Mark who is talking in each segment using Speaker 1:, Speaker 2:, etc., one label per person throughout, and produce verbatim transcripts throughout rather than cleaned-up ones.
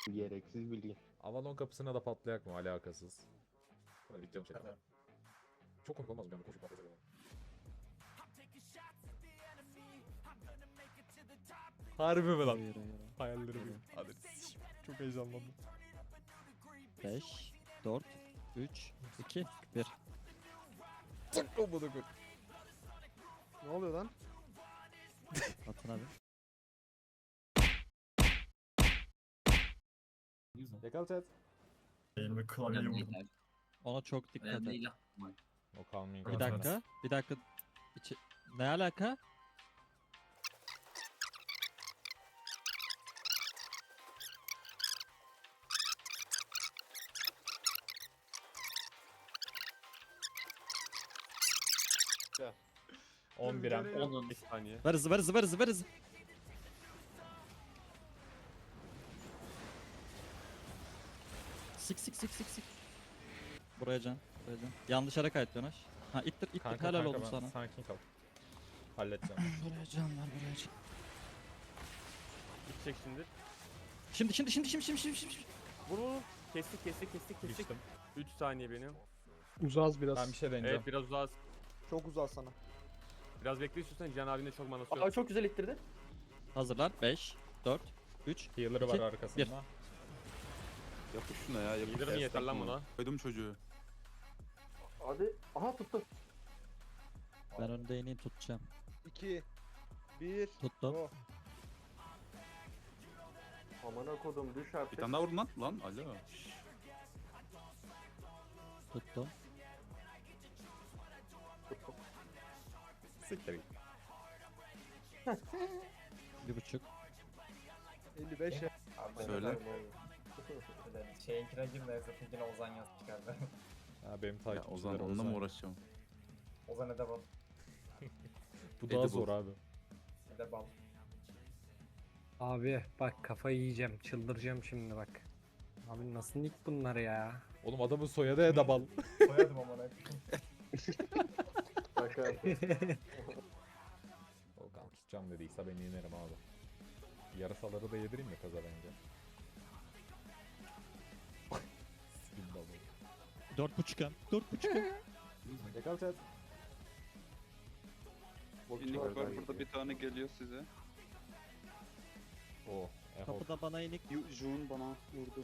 Speaker 1: Gereksiz bilgi.
Speaker 2: Avalon kapısına da patlayak mı? Alakasız. Hadi gideceğim çekme. Çok komik olmaz mı yani koşup patlayacak adam? Harbi mi lan?
Speaker 3: Hayır hayır.
Speaker 2: Hayallerim. Hadi. Çok heyecanlandım.
Speaker 3: beş, dört, üç, iki, bir.
Speaker 2: Çok olmadı koy.
Speaker 1: Ne oluyor lan?
Speaker 3: Atın abi.
Speaker 2: Yakal chat.
Speaker 4: Elime klavyeyi vurdum.
Speaker 3: Ona çok dikkat et.
Speaker 5: Önemli.
Speaker 2: O kalmayın.
Speaker 3: Bir dakika. Bir dakika. İçi... Ne alaka?
Speaker 2: on bir am.
Speaker 5: Onun
Speaker 4: Bir saniye.
Speaker 3: Ver hızı ver hızı ver hızı ver hızı. Sik sik sik sik sik. Buraya can. Buraya can. Yanlış yere kayıtlıyorsun aş. Ha ittir ittir
Speaker 2: Kanka,
Speaker 3: helal
Speaker 2: kanka,
Speaker 3: oldu
Speaker 2: ben
Speaker 3: sana.
Speaker 2: Sakin kal. Halledeceğim.
Speaker 3: Buraya can ver buraya can.
Speaker 4: Gidecek şimdi.
Speaker 3: Şimdi şimdi şimdi şimdi şimdi şimdi şimdi.
Speaker 4: Vur vur. Kestik kestik kestik kestik.
Speaker 2: Düştüm.
Speaker 4: üç saniye benim.
Speaker 1: Uzağız biraz.
Speaker 2: Ben bir şey deneyeceğim.
Speaker 4: Evet biraz uzağız.
Speaker 1: Çok uzağız sana.
Speaker 4: Biraz bekle istiyorsan Can abinin de çok manası yok.
Speaker 1: Aa çok güzel ittirdi.
Speaker 3: Hazırlar. beş, dört, üç.
Speaker 2: Healer'ı var
Speaker 3: İki,
Speaker 2: arkasında.
Speaker 3: bir.
Speaker 6: Yapış şuna ya. Yapış.
Speaker 4: Yedir mi yeter lan buna?
Speaker 6: Koydum çocuğu.
Speaker 1: Hadi. Aha tuttum.
Speaker 3: Ben önde ineği tutacağım.
Speaker 1: iki bir
Speaker 3: Tuttum.
Speaker 1: Oh. Amına kodum düş
Speaker 6: Bir
Speaker 1: artık.
Speaker 6: tane daha vurdun lan. Lan alo.
Speaker 3: Tuttum.
Speaker 2: Siktir git.
Speaker 3: Bir buçuk.
Speaker 1: elli beş ya.
Speaker 6: Söyle.
Speaker 7: Şeyinkine girme, Zıpınkine Ozan yaz çıkardı.
Speaker 2: Ha benim
Speaker 6: Ya
Speaker 2: takipçilerim.
Speaker 6: Ozan onunla mı uğraşacağım?
Speaker 7: Ozan Edebal.
Speaker 2: Bu daha
Speaker 6: Edible.
Speaker 2: zor abi.
Speaker 7: Edebal.
Speaker 8: Abi bak kafayı yiyeceğim, çıldıracağım şimdi bak. Abi nasıl nick bunlar ya?
Speaker 2: Oğlum adamın soyadı Edabal.
Speaker 7: Koyadım ama ne?
Speaker 1: Bak abi.
Speaker 2: Volkan tutacağım dediyse ben yenerim abi. Yarasaları da yedireyim mi kaza bence? Sikim balığı.
Speaker 3: Dört buçuk hem. Dört buçuk hem.
Speaker 2: Yakal chat.
Speaker 6: İnik var burada bir tane geliyor size.
Speaker 2: Oo. Ehol.
Speaker 3: Kapıda bana inik.
Speaker 6: Jun bana vurdu.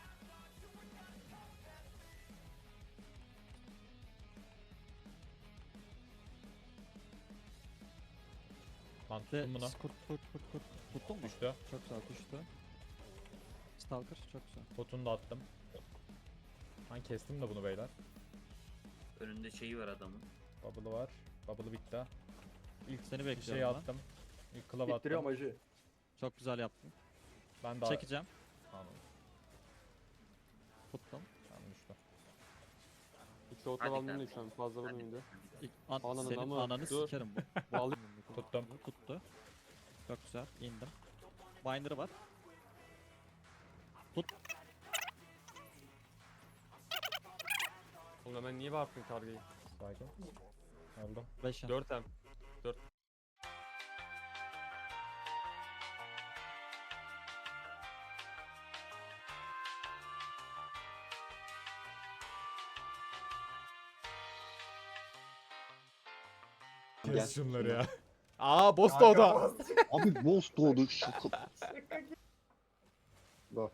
Speaker 2: Lan
Speaker 3: Ve
Speaker 2: tuttum bunu.
Speaker 3: kurt kurt kurt kurt. Tuttun mu?
Speaker 2: Düştü.
Speaker 3: Çok güzel düştü. Stalker çok güzel.
Speaker 2: Potunu da attım. Ben kestim de bunu beyler.
Speaker 5: Önünde şeyi var adamın.
Speaker 2: Bubble'ı var. Bubble'ı bitti. İlk
Speaker 3: Seni
Speaker 2: bir
Speaker 3: bekliyorum
Speaker 2: şey
Speaker 3: ben.
Speaker 2: attım. İlk club
Speaker 1: İttiriyorum
Speaker 2: attım.
Speaker 1: acı.
Speaker 3: Çok güzel yaptın.
Speaker 2: Ben daha...
Speaker 3: Çekeceğim.
Speaker 2: Anladım.
Speaker 3: Tuttum.
Speaker 2: Ben düştüm.
Speaker 4: Hiç orta
Speaker 5: Hadi
Speaker 4: aldım
Speaker 5: kanka.
Speaker 4: şu an fazla
Speaker 5: Hadi.
Speaker 4: vurmayın da.
Speaker 3: İlk, an,
Speaker 4: Ananı
Speaker 3: senin
Speaker 4: ama-
Speaker 3: ananı
Speaker 4: Dur.
Speaker 3: sikerim bu.
Speaker 4: Vallahi
Speaker 2: Tuttum.
Speaker 3: Tuttu. Çok güzel. İndim. Binder'ı var. Tut.
Speaker 4: oğlum hemen niye bağırttın kargayı?
Speaker 2: Sakin. Aldım.
Speaker 3: beş hem.
Speaker 4: dört hem.
Speaker 2: Kes şunları ya. Aa boss da o da.
Speaker 1: Abi boss doğdu şaka. Bak.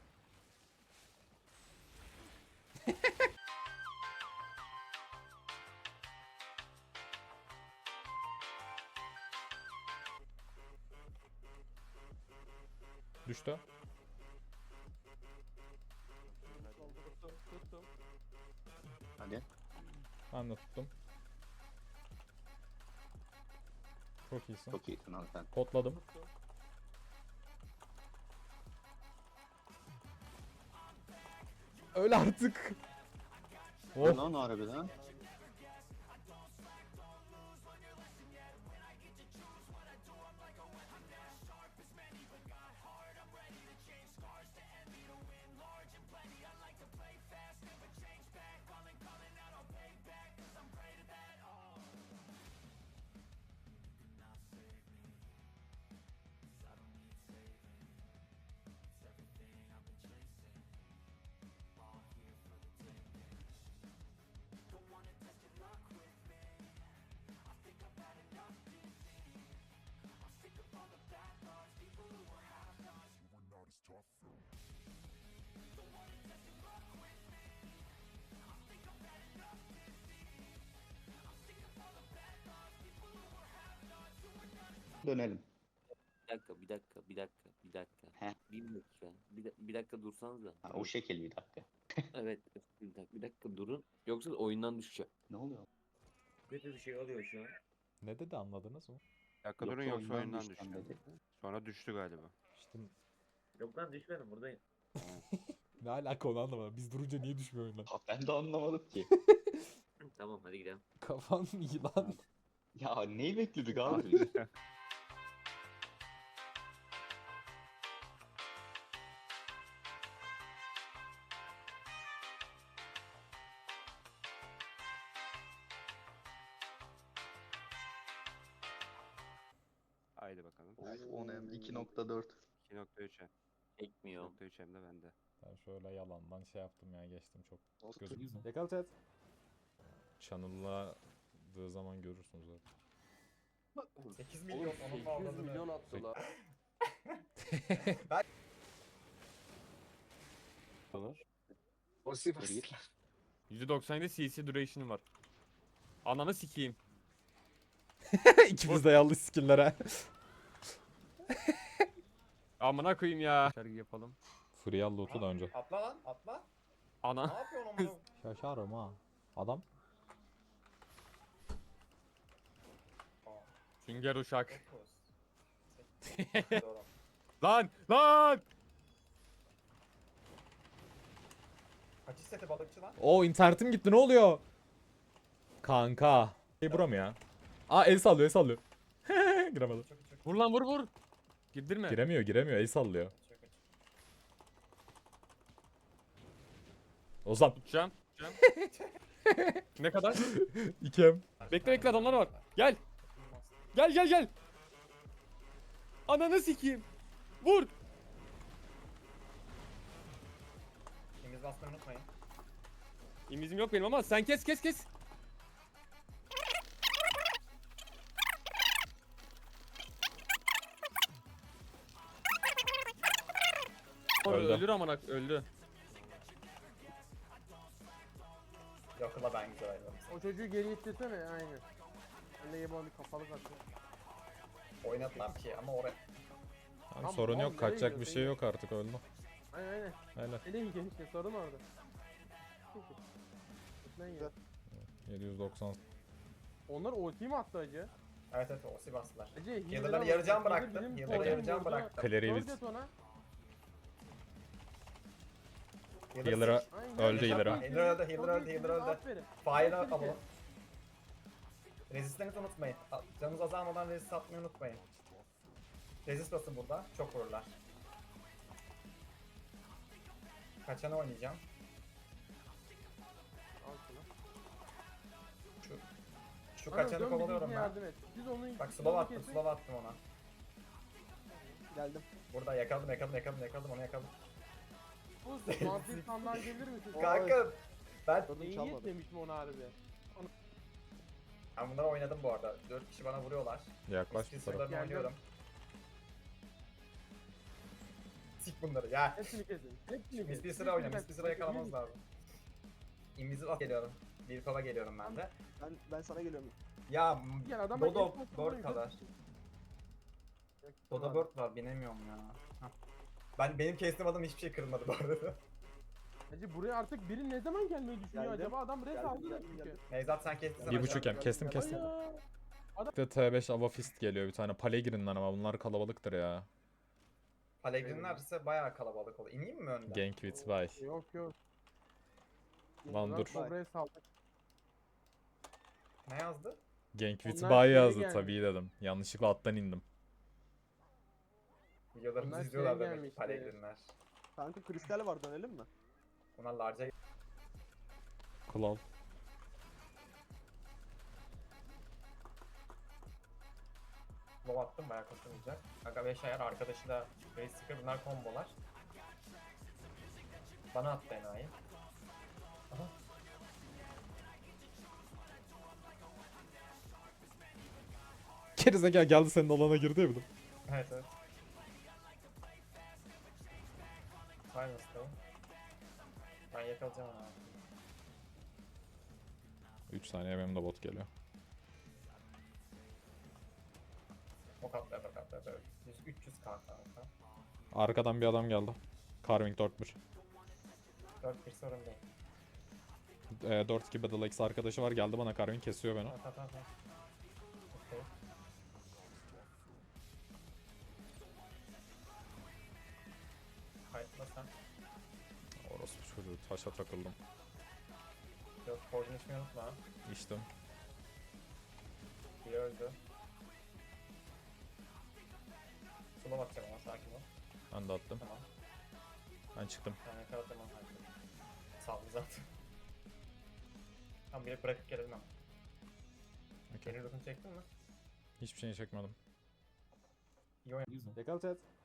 Speaker 2: Düştü.
Speaker 1: Hadi.
Speaker 2: Ben de tuttum. Çok iyisin.
Speaker 1: Çok iyisin abi sen.
Speaker 2: Potladım. Öl artık. Oh.
Speaker 1: Lan harbiden. Dönelim.
Speaker 5: Bir dakika, bir dakika, bir dakika, bir dakika.
Speaker 1: He.
Speaker 5: Bir dakika. Bir, da- bir dakika dursanız da.
Speaker 1: Ha, o şekil bir dakika.
Speaker 5: Evet, bir dakika, bir dakika durun. Yoksa oyundan düşeceğim.
Speaker 1: Ne oluyor?
Speaker 5: Kötü bir şey oluyor şu an.
Speaker 2: Ne dedi anladınız mı?
Speaker 6: Bir dakika durun yoksa oyundan
Speaker 1: düşeceğim
Speaker 6: düşeceğim.
Speaker 1: dedi.
Speaker 6: Sonra düştü galiba.
Speaker 2: İşte
Speaker 5: Yok lan düşmedim buradayım.
Speaker 2: ne alaka onu anlamadım. Biz durunca niye düşmüyor oyundan?
Speaker 1: Ha, ben de anlamadım ki.
Speaker 5: Tamam hadi gidelim.
Speaker 2: Kafan iyi lan.
Speaker 1: Ya neyi bekledik abi biz?
Speaker 6: Haydi bakalım.
Speaker 1: on M iki nokta dört.
Speaker 6: iki nokta üç M.
Speaker 5: Ekmiyor.
Speaker 6: iki nokta üç M de bende.
Speaker 2: Ben şöyle yalandan şey yaptım ya geçtim çok
Speaker 1: Olsun.
Speaker 2: gözüküyor. Yakal chat. Channel'ladığı zaman görürsünüz zaten.
Speaker 7: sekiz milyon onun avradını.
Speaker 4: milyon attılar. yüzde doksan yedi C C duration'ı var. Ananı sikeyim.
Speaker 2: İkimiz de yanlış skill'lere.
Speaker 4: Amına koyayım ya. Şarkı yapalım.
Speaker 2: Free al loot'u da önce.
Speaker 7: Atla lan atla. Ne
Speaker 4: Ana.
Speaker 7: yapıyorsun amına?
Speaker 2: Şaşarım ha. Adam.
Speaker 4: Sünger uşak.
Speaker 7: Dokuz.
Speaker 4: Lan lan.
Speaker 7: Kaçış seti balıkçı lan?
Speaker 2: O internetim gitti ne oluyor? Kanka. Şey bura mı ya? Aa el sallıyor el sallıyor. Giremedi.
Speaker 7: Çok çok
Speaker 4: Vur lan vur vur. Girdirme.
Speaker 2: Giremiyor giremiyor el sallıyor.
Speaker 7: çok çok.
Speaker 2: Ozan.
Speaker 4: Tutacağım. tutacağım. Ne kadar?
Speaker 2: İkem.
Speaker 4: Bekle bekle adamlar var. Gel. Gel gel gel. Ananı sikeyim. Vur.
Speaker 7: İngiliz basmayı unutmayın.
Speaker 4: İmizim yok benim ama sen kes kes kes.
Speaker 2: Öldü.
Speaker 4: Öldür amına öldü.
Speaker 7: Yakıla ben güzel ayrılırım.
Speaker 9: O çocuğu geri ittirsene aynen. Ben de yebani kapalı kaçtı.
Speaker 7: Oynadılar ki ama oraya.
Speaker 2: Abi
Speaker 9: Tamam,
Speaker 2: sorun
Speaker 9: oğlum,
Speaker 2: yok
Speaker 9: nereye
Speaker 2: kaçacak bir
Speaker 9: gidiyorsun
Speaker 2: şey
Speaker 9: ya?
Speaker 2: yok artık öldü.
Speaker 9: Aynen aynen.
Speaker 2: Helal.
Speaker 9: Nereye gidiyor işte sorun orada. Lan ya.
Speaker 2: yedi yüz doksan.
Speaker 9: Onlar ulti mi attı acı?
Speaker 7: Evet evet o bastılar.
Speaker 9: Acı
Speaker 7: Healer'ları yarı can bıraktım. Healer'ları yarı can bıraktım.
Speaker 2: Clary'i
Speaker 9: Dört et ona.
Speaker 2: Healer'a
Speaker 9: Aynen.
Speaker 2: öldü healer'a.
Speaker 7: Healer öldü, healer öldü, healer öldü.
Speaker 9: Aferin.
Speaker 7: Fire'ı
Speaker 9: Aferin
Speaker 7: alalım.
Speaker 9: ki.
Speaker 7: Resistlerinizi unutmayın. A- Canınız azalmadan resist atmayı unutmayın. Resist basın burada. Çok vururlar. Kaçanı oynayacağım.
Speaker 9: Al şunu.
Speaker 7: Şu, şu
Speaker 9: Anam,
Speaker 7: kaçanı
Speaker 9: dön
Speaker 7: kovalıyorum
Speaker 9: bizimkine
Speaker 7: ben.
Speaker 9: yardım et. Biz onun
Speaker 7: Bak
Speaker 9: biz
Speaker 7: slow
Speaker 9: onu
Speaker 7: attım,
Speaker 9: kesin.
Speaker 7: slow attım ona.
Speaker 9: Geldim.
Speaker 7: Burada yakaladım, yakaladım, yakaladım, yakaladım, onu yakaladım.
Speaker 9: Bu mantıklı standart gelir misin?
Speaker 7: Kanka! Ben,
Speaker 9: İyi niyet demiştim ona harbi.
Speaker 7: ben bunları oynadım bu arada. dört kişi bana vuruyorlar.
Speaker 2: Yaklaş bu
Speaker 7: Skill
Speaker 2: tarafa.
Speaker 7: sırlarını
Speaker 9: Geldim.
Speaker 7: oynuyorum. Sik bunları ya.
Speaker 9: Hepsini kesin. Hepsini
Speaker 7: Mis
Speaker 9: kesin.
Speaker 7: bir sıra oyna, mis
Speaker 9: Hepsini
Speaker 7: bir sıra
Speaker 9: kesin.
Speaker 7: yakalamamız lazım. Invisible geliyorum. Bir kova geliyorum ben de.
Speaker 9: Ben, ben sana geliyorum.
Speaker 7: Ya
Speaker 9: Gel adam bak,
Speaker 7: Dodo
Speaker 9: hep bak,
Speaker 7: Bird
Speaker 9: yukarı
Speaker 7: kadar.
Speaker 9: çıksın.
Speaker 7: Dodo Bird var binemiyorum ya. Hah. Ben benim kestim adam hiçbir şey kırılmadı bu arada.
Speaker 9: Hacı buraya artık biri ne zaman gelmeyi düşünüyor
Speaker 7: Geldim.
Speaker 9: acaba? Adam res
Speaker 7: Geldim,
Speaker 9: aldı da
Speaker 7: geldim,
Speaker 9: çünkü.
Speaker 7: geldim. Nevzat sen kestin.
Speaker 2: Bir buçuk em kestim kestim.
Speaker 9: Ay ya.
Speaker 2: Bir de T beş Ava Fist geliyor bir tane. Pale girin lan ama bunlar kalabalıktır ya.
Speaker 7: Palegrinler ise bayağı kalabalık oldu. İneyim mi önden?
Speaker 2: Gank with buy.
Speaker 9: Yok yok.
Speaker 2: Lan dur.
Speaker 9: Bak, res aldık.
Speaker 7: Ne yazdı?
Speaker 2: Gank with
Speaker 9: Onlar
Speaker 2: buy
Speaker 9: geri
Speaker 2: yazdı
Speaker 9: gelmiş.
Speaker 2: tabii dedim. Yanlışlıkla attan indim.
Speaker 7: Videolarımızı
Speaker 9: Onlar
Speaker 7: izliyorlar
Speaker 9: şey
Speaker 7: demek
Speaker 9: gelmişti.
Speaker 7: Palegrinler.
Speaker 9: Kanka kristal var dönelim mi?
Speaker 7: Bunlar larca
Speaker 2: Claw.
Speaker 7: low attım bayağı koşulmayacak. Aga beş ayar arkadaşı da Race Seeker bunlar kombolar. Bana attı enayi. Aha.
Speaker 2: Gerizekalı geldi senin alana girdi ya bir de.
Speaker 7: Evet evet. Finals'tayım. Ben yakalayacağım onu abi.
Speaker 2: üç saniye benim de bot geliyor.
Speaker 7: Ok atla bak atla böyle. yüz üç yüz k kanka.
Speaker 2: Arkadan bir adam geldi. Carving dört bir.
Speaker 7: dört bir sorun değil.
Speaker 2: E, dört iki Battle X arkadaşı var, geldi bana Carving kesiyor beni.
Speaker 7: Tamam tamam tamam. Okey. Kayıtla sen.
Speaker 2: Orası çocuğu, taşa takıldım.
Speaker 7: Yok forjun içmeyi unutma.
Speaker 2: İçtim.
Speaker 7: Biri öldü. Sula bakacağım ama sakin ol.
Speaker 2: Ben de attım.
Speaker 7: Tamam.
Speaker 2: Ben çıktım.
Speaker 7: Ben yakaladım onu hallettim. Saldı zaten. Tamam bir bırakıp gelelim ama.
Speaker 2: Okay.
Speaker 7: Geri rutunu çektin mi?
Speaker 2: Hiçbir şey çekmedim.
Speaker 7: İyi oyun.
Speaker 2: Yakal chat.